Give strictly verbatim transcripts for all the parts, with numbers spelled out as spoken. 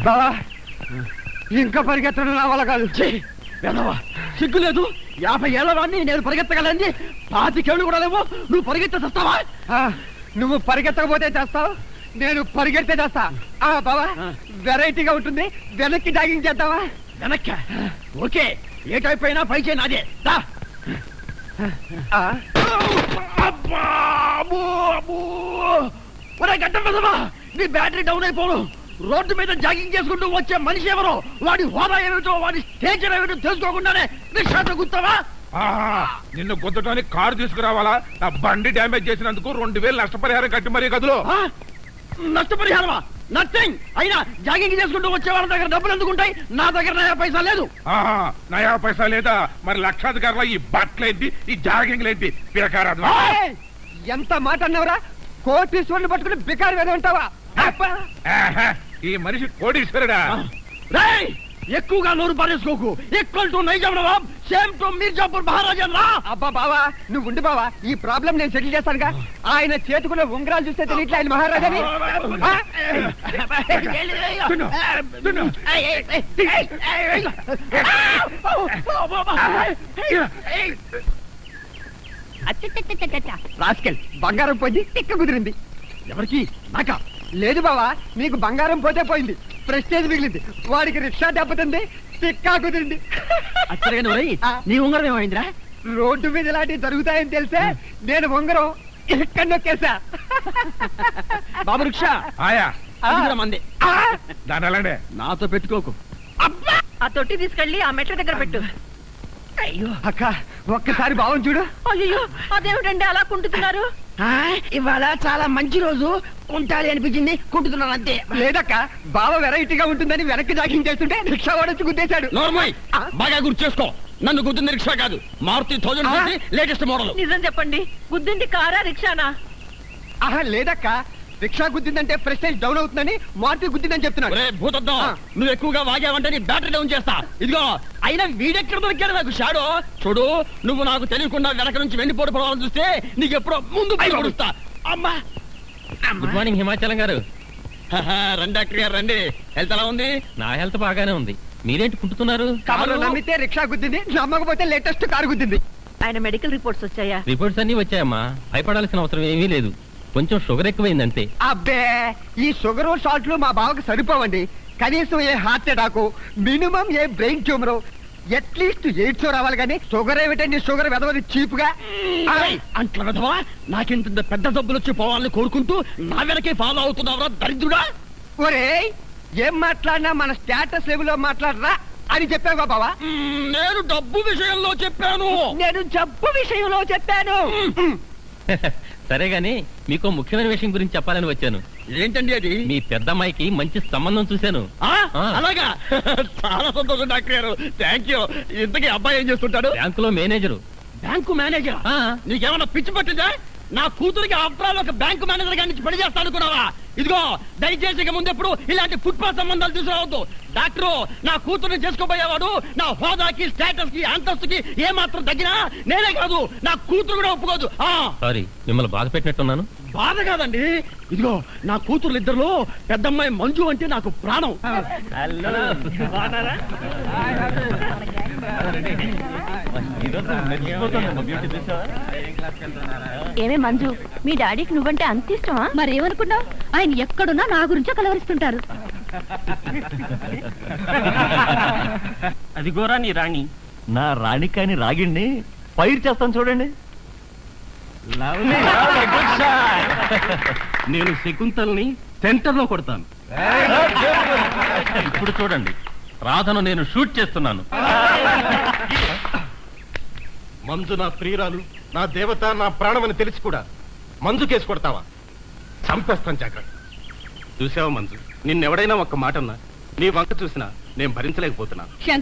బావా ఇంకా పరిగెత్తడం నా వల్ల కాదు. సిగ్గు లేదు, యాభై ఏళ్ళ వాడిని నేను పరిగెత్తగలని పాతికేళ్ళు కూడా లేవు, నువ్వు పరిగెత్తే చేస్తావా? నువ్వు పరిగెత్తకపోతే చేస్తావు, నేను పరిగెడితే చేస్తా. బావా వెరైటీగా ఉంటుంది, వెనక్కి డాగింగ్ చేద్దావా? వెనక్కి ఓకే, ఏ టైప్ అయినా పై చేయి నాదే. గడ్డ పెదవా, నీ బ్యాటరీ డౌన్ అయిపోను. రోడ్డు మీద జాగింగ్ చేసుకుంటూ వచ్చే మనిషి ఎవరో, వాడి హోదా ఏమిటో, వాడి స్టేచర్ ఏమిటో తెలుసుకోకుండానే రిక్షాతో గుర్తావా? నిన్ను గుద్దటానికి కారు తీసుకురావాలా? నా బండి డ్యామేజ్ చేసినందుకు రెండు వేలు నష్టపరిహారం కట్టి మరీ గదులు. నష్టపరిహారమా? నథింగ్. అయినా జాగింగ్ చేసుకుంటూ వచ్చే వాళ్ళ దగ్గర డబ్బులు ఎందుకుంటాయి? నా దగ్గర నయా పైసా లేదు. నయా పైసా లేదా? మరి లక్షాధికారుల ఈ బట్టలేంటి, ఈ జాగింగ్ లేంటి? పిరకారాదు. ఎంత మాట అన్నవరా? కోటీశ్వరుని పట్టుకుని బికారు వేద ఉంటావా? ఈ మనిషి కోటీశ్వరుడా? ఎక్కువగా నోరు పారేసుకోకు. Equal to Nizam nawab, same to Mirzapur maharaja రా. అబ్బా బావా నువ్వు ఉండి బావా, ఈ ప్రాబ్లం నేను సెటిల్ చేస్తానుగా. ఆయన చేతుకున్న ఉంగరాలు చూస్తే తెలియట్లే ఆయన మహారాజాని. రాస్కెల్, బంగారం పోయింది, తిక్క కుదిరింది. ఎవరికి? నాకా? లేదు బావా, నీకు బంగారం పోతే పోయింది, ప్రెస్టేజ్ మిగిలింది. వాడికి రిక్షా దెబ్బతింది, తిక్కా కుదిరింది. నీ ఉంగరం ఏమైందిరా? రోడ్డు మీద ఇలాంటివి జరుగుతాయని తెలిసే నేను ఉంగరం ఎక్కడ నొక్కేసా. బాబు రిక్షా ఆయా మంది దాని అలానే నాతో పెట్టుకోకు. ఆ తొట్టి తీసుకెళ్ళి ఆ మెట్ల దగ్గర పెట్టు. అయ్యో అక్క, ఒక్కసారి బావం చూడు. అయ్యో అదేమిటండి అలా కుంటున్నారు? ఇవాళ చాలా మంచి రోజు, కుంటాలి అనిపించింది, కుంటున్నాను అంతే. లేదక్క, బావ వెరైటీగా ఉంటుందని వెనక్కి జాగింగ్ చేస్తుంటే రిక్షా వాడొచ్చి గుద్దేశాడు. బాగా గుర్తు చేసుకో, నన్ను గుద్దింది రిక్షా కాదు, మారుతి థౌజండ్ లేటెస్ట్ మోడల్. నిజం చెప్పండి, గుద్దింది కారా రిక్షానా? ఆహా లేదక్క, రిక్షా గుద్దిందంటే ప్రెస్టేజ్ డౌన్ అవుతుందని మారుతి గుద్దిందని చెప్తున్నాడు. భూతద్దం, నువ్వు ఎక్కువగా వాగావంటే నీ బ్యాటరీ డౌన్ చేస్తా. ఇదిగో అయినా వీడెక్కడ దొరికాడు నాకు షాడో. చూడు, నువ్వు నాకు తెలియకుండా వెనక నుంచి వెండిపోటు పడవాలని చూస్తే నీకు ఎప్పుడో ముందు పడుస్తా. అమ్మా గుడ్ మార్నింగ్ హిమాచలం గారు. రండి డాక్టర్ గారు రండి. హెల్త్ ఎలా ఉంది? నా హెల్త్ బాగానే ఉంది. మీరేంటి కుంటున్నారు? కారు నమ్మితే రిక్షా గుద్దింది, నమ్మకపోతే లేటెస్ట్ కారు గుద్దింది. ఆయన మెడికల్ రిపోర్ట్స్ వచ్చాయా? రిపోర్ట్స్ అన్ని వచ్చాయమ్మా, భయపడాల్సిన అవసరం ఏమీ లేదు. కొంచెం షుగర్ ఎక్కువైందంతే. అబ్బే, ఈ షుగర్ సాల్ట్లు మా బావకు సరిపోవండి. కనీసం a heart attack, minimum a brain tumour, at least AIDS రావాలి. కానీ షుగర్ ఏమిటండి, షుగర్ వెదవది చీప్ గా. అంట్ల వెదవా, నాకెంత పెద్ద డబ్బులు వచ్చి పోవాలని కోరుకుంటూ నా వెనకే ఫాలో అవుతున్నావురా దరిద్రుడా. ఒరే, ఏం మాట్లాడినా మన స్టేటస్ లెవెల్లో మాట్లాడరా అని చెప్పావా బావా? నేను డబ్బు విషయంలో చెప్పాను. నేను జబ్బు విషయంలో చెప్పాను. సరే గాని మీకు ముఖ్యమైన విషయం గురించి చెప్పాలని వచ్చాను. ఏంటండి అది? మీ పెద్దమ్మాయికి మంచి సంబంధం చూశాను. అలాగా? చాలా సంతోషం డాక్టర్ గారు, థ్యాంక్ యూ. ఇంతకీ అబ్బాయి ఏం చేస్తుంటాడు? బ్యాంకులో మేనేజరు. Bank manager? నీకేమన్నా పిచ్చి పట్టిందా? నా కూతురికి అప్రాలు ఒక బ్యాంకు మేనేజర్ గారి నుంచి పని చేస్తా అనుకున్నావా? ఇదిగో దయచేసి ఇక ముందెప్పుడు ఇలాంటి ఫుట్పాత్ సంబంధాలు తీసుకురావద్దు. డాక్టరు, నా కూతురుని చేసుకోబోయేవాడు నా హోదాకి, స్టేటస్ కి, అంతస్తుకి ఏ మాత్రం తగ్గినా నేనే కాదు, నా కూతురు కూడా ఒప్పుకోదు. సారీ, మిమ్మల్ని బాధ పెట్టినట్టున్నాను. బాధ కాదండి, ఇదిగో నా కూతురు ఇద్దరులో పెద్దమ్మాయి మంజు అంటే నాకు ప్రాణం. ఏమే మంజు, మీ డాడీకి నువ్వంటే అంత ఇష్టమా? మరేమనుకున్నావు, ఆయన ఎక్కడున్నా నా గురించే కలవరిస్తుంటారు. అదిగోరా నీ రాణి. నా రాణి కాని రాగిండి పైరు చేస్తాను చూడండి. నేను శకుంతల్ని సెంటర్ లో కొడతాను. ఇప్పుడు చూడండి, రాధను నేను షూట్ చేస్తున్నాను. మంజు నా ప్రియురాలు, నా దేవత, నా ప్రాణమని తెలిసి కూడా మంజు కేసు కొడతావా? చంపేస్తాను జాగ్రత్త. చూసావా మంజు, నిన్నెవడైనా ఒక్క మాట అన్నా, నీ వంక చూసినా నేను భరించలేకపోతున్నా.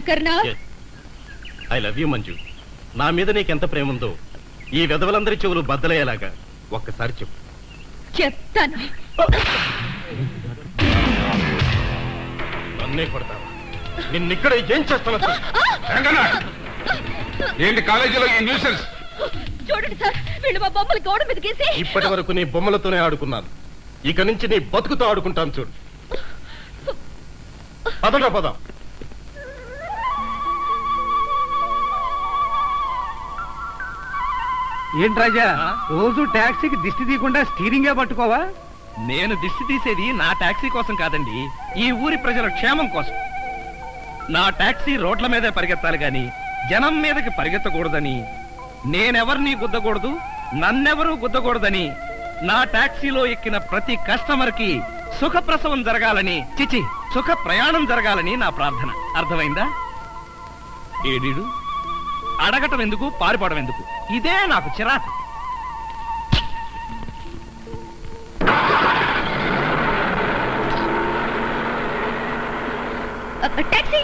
I love you Manju. నా మీద నీకెంత ప్రేమ ఉందో ఈ వెధవలందరి చెవులు బద్దలయ్యేలాగా ఒక్కసారి చెప్పు. చెప్తాను. నన్నే కొడతావా? నిన్నిక్కడ ఏం చేస్తాను? ఏంటి కాలేజీలో ఈ న్యూసెన్స్? చూడండి సార్, వీళ్ళు మా బొమ్మలు గోడ మీద గీసి. ఇప్పటి వరకు నీ బొమ్మలతోనే ఆడుకున్నాను, ఇక నుంచి నీ బతుకుతో ఆడుకుంటాను చూడు. పదట పదం. ఏంటి రాజా, రోజు టాక్సీకి దిష్టి తీయకుండా స్టీరింగే పట్టుకోవా? నేను దిష్టి తీసేది నా టాక్సీ కోసం కాదండి, ఈ ఊరి ప్రజల క్షేమం కోసం. నా టాక్సీ రోడ్ల మీదే పరిగెత్తాలి గాని జనం మీదకి పరిగెత్తకూడదని, నేనెవరిని గుద్దకూడదు, నన్నెవరూ గుద్దకూడదని, నా టాక్సీలో ఎక్కిన ప్రతి కస్టమర్ కి సుఖప్రసవం జరగాలని, చిచి సుఖ ప్రయాణం జరగాలని నా ప్రార్థన. అర్థమైందా? ఏడీడు అడగటం ఎందుకు, పారిపోవడం ఎందుకు? ఇదే నాకు చిరాకు. టాక్సీ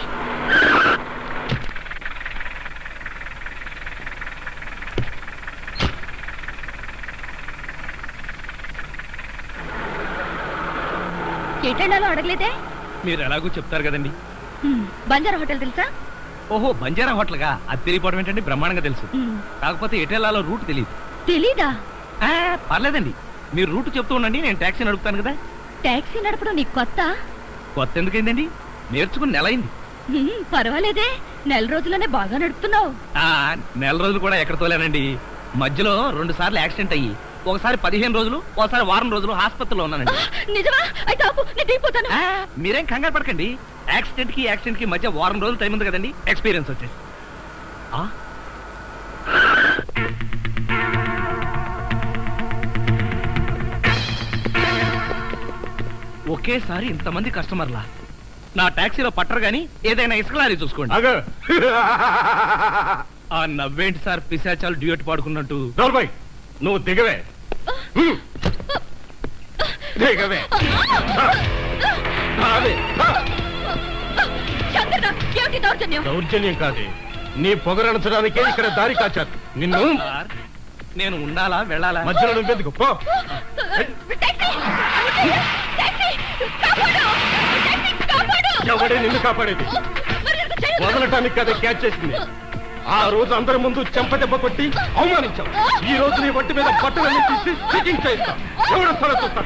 ఎటెండాలో అడగలేదే? మీరు ఎలాగో చెప్తారు కదండి. బంజారా హోటల్ తెలుసా? ఓహో, బంజారా హోటల్ గా? అది తిరిగిపోవడం ఏంటండి, బ్రహ్మాండంగా తెలుసు. కాకపోతే ఎటెల్లాలో రూట్ తెలియదు. తెలీదా? పర్లేదండి, మీరు రూట్ చెప్తూ ఉండండి, నేను టాక్సీ నడుపుతాను కదా. టాక్సీ నడపడం నీకు కొత్త? కొత్త ఎందుకైందండి, నేర్చుకుని నెల అయింది. పర్వాలేదే, నెల రోజుల్లోనే బాగా నడుపుతున్నావు. ఆ నెల రోజులు కూడా ఎక్కడ తోలేనండి, మధ్యలో రెండు సార్లు యాక్సిడెంట్ అయ్యి ఒకసారి పదిహేను రోజులు ఒకసారి వారం రోజులు హాస్పిటల్లో ఉన్నానండి. నిజమా? అయితే ఆపు, నేను దిగిపోతాను. మీరేం కంగారు పడకండి, యాక్సిడెంట్ కి యాక్సిడెంట్ కి మధ్య వారం రోజులు టైం ఉంది కదండి, ఎక్స్పీరియన్స్ వచ్చేసి. ఒకేసారి ఇంతమంది కస్టమర్లా నా టాక్సీలో పట్టరు గాని ఏదైనా ఇసుక లారీ చూసుకోండి. ఆ నవ్వేంటి సార్, పిశాచాలు డ్యూయట్ పాడుకున్నట్టు. నువ్వు దిగవే దిగవే. దౌర్జన్యం కాదు, నీ పొగరణించడానికే ఇక్కడ దారి కాచారు. నిన్ను నేను ఉండాలా వెళ్ళాలా? మధ్యలో నువ్వెందుకు పో. ఎవడే నిన్ను కాపాడేది? వదలటానికి కదా క్యాచ్ చేసింది. ఆ రోజు అందరి ముందు చెంపదెబ్బ కొట్టి అవమానించాం. ఈ రోజు నీ ఒంటి మీద బట్టలన్నీ తీసి చెకింగ్ చేస్తాం. ఎవడో సరే చూస్తాం.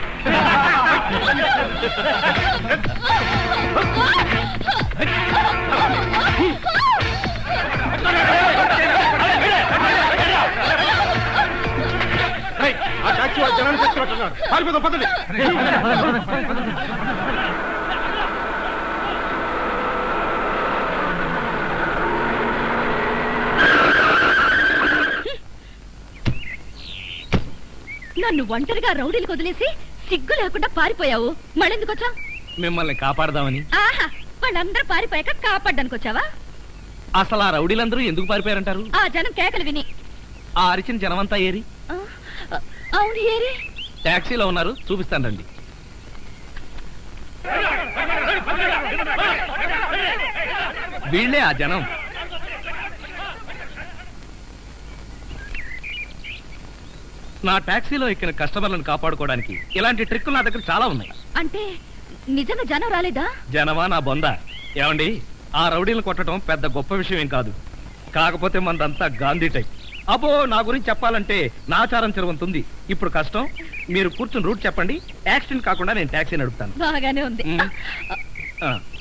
ఆ టాక్సీ ఆ జనాన్ని తెచ్చినట్టున్నాడు. పారిపోతాం పద్ధతి. నన్ను ఒంటరిగా రౌడీలు వదిలేసి సిగ్గు లేకుండా పారిపోయావు. మళ్ళెందుకు వచ్చా? మిమ్మల్ని కాపాడదామని. ఆహా, వాళ్ళందరూ పారిపోయాక కాపాడడానికి వచ్చావా? అసలు ఆ రౌడీలందరూ ఎందుకు పారిపోయారంటారు? ఆ జనం కేకలు విని. ఆ అరిచిన జనమంతా ఏరి? అవును, ఏరి. టాక్సీలో ఉన్నారు, చూపిస్తాను రండి. వీళ్ళే ఆ జనం. నా టాక్సీలో ఎక్కిన కస్టమర్లను కాపాడుకోవడానికి ఇలాంటి ట్రిక్కులు నా దగ్గర చాలా ఉన్నాయి. అంటే నిజంగా జనం రాలేదా? జనమా నా బొంద. ఏమండి, ఆ రౌడీలను కొట్టడం పెద్ద గొప్ప విషయం ఏం కాదు. కాకపోతే మనదంతా గాంధీ టైప్. అబ్బో, నా గురించి చెప్పాలంటే నాచారం చెరువంతుంది. ఇప్పుడు కష్టం, మీరు కూర్చుని రూట్ చెప్పండి. యాక్సిడెంట్ కాకుండా నేను టాక్సీ నడుపుతాను. బాగానే ఉంది. ఆ